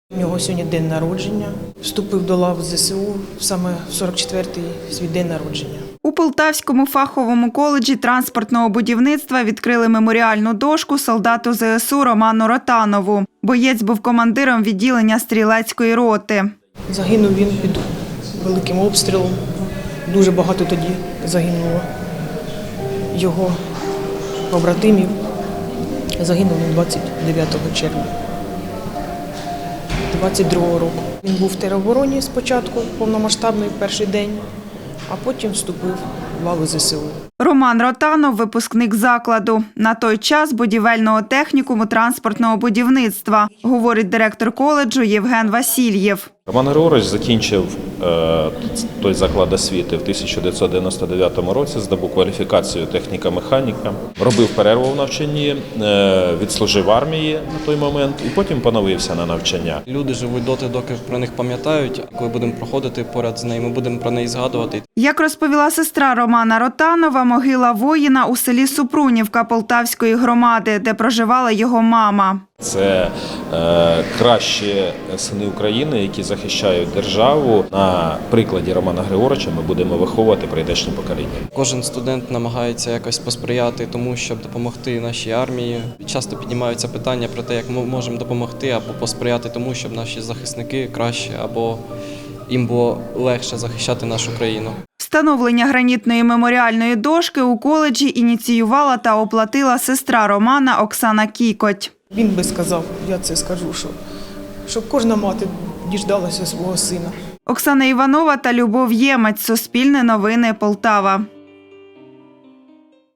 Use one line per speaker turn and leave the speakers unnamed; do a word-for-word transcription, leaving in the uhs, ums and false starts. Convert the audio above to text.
У нього сьогодні день народження. Вступив до лав ЗСУ саме в сорок четвертий свій день народження.
У Полтавському фаховому коледжі транспортного будівництва відкрили меморіальну дошку солдату ЗСУ Роману Ротанову. Боєць був командиром відділення стрілецької роти.
Загинув він під великим обстрілом. Дуже багато тоді загинуло його побратимів. Загинув він двадцять дев'ятого червня двадцять другого року. Він був в теробороні спочатку, повномасштабний перший день, а потім вступив в лави ЗСУ.
Роман Ротанов – випускник закладу. На той час будівельного технікуму транспортного будівництва, говорить директор коледжу Євген Васильєв.
Роман Григорович закінчив е, той заклад освіти в тисяча дев'ятсот дев'яносто дев'ятому році, здобув кваліфікацію техніка-механіка, робив перерву в навчанні, е, відслужив в армії на той момент і потім поновився на навчання.
Люди живуть доти, доки про них пам'ятають. Коли будемо проходити поряд з нею, ми будемо про неї згадувати.
Як розповіла сестра Романа Ротанова, могила воїна у селі Супрунівка Полтавської громади, де проживала його мама.
Це е, кращі сини України, які захищають державу. На прикладі Романа Григоровича ми будемо виховувати прийдешні покоління.
Кожен студент намагається якось посприяти тому, щоб допомогти нашій армії. Часто піднімаються питання про те, як ми можемо допомогти або посприяти тому, щоб наші захисники краще або їм було легше захищати нашу країну.
Встановлення гранітної меморіальної дошки у коледжі ініціювала та оплатила сестра Романа Оксана Кікоть.
Він би сказав, я це скажу, що, щоб кожна мати діждалася свого сина.
Оксана Іванова та Любов Ємець. Суспільне новини, Полтава.